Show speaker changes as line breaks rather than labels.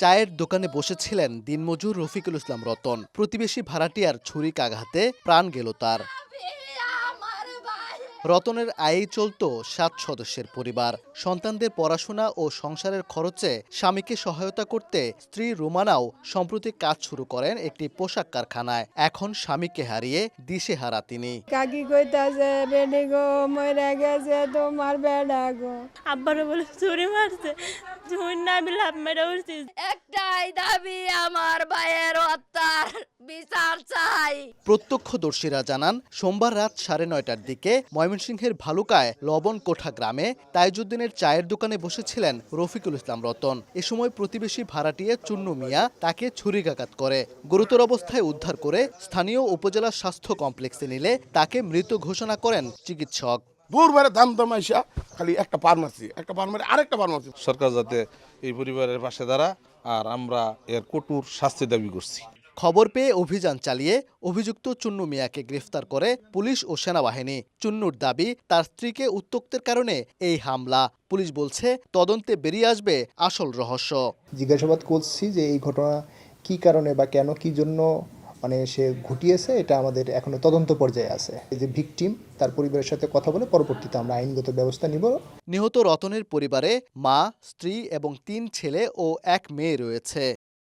চায়ের দোকানে বসেছিলেন দিনমজুর রফিকুল ইসলাম রতন। প্রতিবেশী ভাড়াটিয়ার ছুরিকাঘাতে প্রাণ গেল তার। রতনের আয়েই চলত 7 সদস্যের পরিবার। সন্তানদের পড়াশোনা ও সংসারের খরচে স্বামীকে সহায়তা করতে স্ত্রী রুমানাও সম্প্রতি কাজ শুরু করেন একটি পোশাক কারখানায়। এখন স্বামীকে হারিয়ে দিশেহারা তিনি।
কাকি কইতাছে বেডি গো মরে গেছে তোমার বেডা গো।
আব্বারে বলে চুরি মারছে, চুরি না বিলে হাত মেরে উঠছি।
একটাই দাবি আমার ভাইয়ের হত্যার বিচার চাই।
প্রত্যক্ষদর্শীরা জানান সোমবার রাত 9:30টার দিকে ময়মনসিংহের ভালুকায় লবণকোঠা গ্রামে তাইজুদ্দিনের চায়ের দোকানে বসেছিলেন রফিকুল ইসলাম রতন। এ সময় প্রতিবেশী ভাড়াটিয়া চুন্নু মিয়া তাকে ছুরিকাঘাত করে। গুরুতর অবস্থায় উদ্ধার করে স্থানীয় উপজেলা স্বাস্থ্য কমপ্লেক্সে নিলে তাকে মৃত ঘোষণা করেন চিকিৎসক।
বুরবারে দাম দমাইসা খালি একটা ফার্মাসি আরেকটা ফার্মাসি।
সরকার যাতে এই পরিবারের পাশে দাঁড়ায়, আর আমরা এর কঠোর শাস্তি দাবি করছি।
খবর পেয়ে অভিযান চালিয়ে অভিযুক্ত চুন্নু মিয়াকে গ্রেফতার করে পুলিশ ও সেনাবাহিনী। চুন্নুর দাবি তার স্ত্রীকে উত্ত্যক্তের কারণে এই হামলা। পুলিশ বলছে তদন্তে বেরিয়ে আসবে আসল রহস্য।
জিজ্ঞাসাবাদ করছি যে এই ঘটনা কি কারণে বা কেন কি জন্য সে ঘটিয়েছে, এটা আমাদের এখনো তদন্ত পর্যায়ে আছে। এই যে ভিকটিম তার পরিবারের সাথে কথা বলে পরবর্তীতে আমরা আইনগত ব্যবস্থা নিব।
নিহত রতনের পরিবারে মা, স্ত্রী এবং 3 ছেলে ও 1 মেয়ে রয়েছে।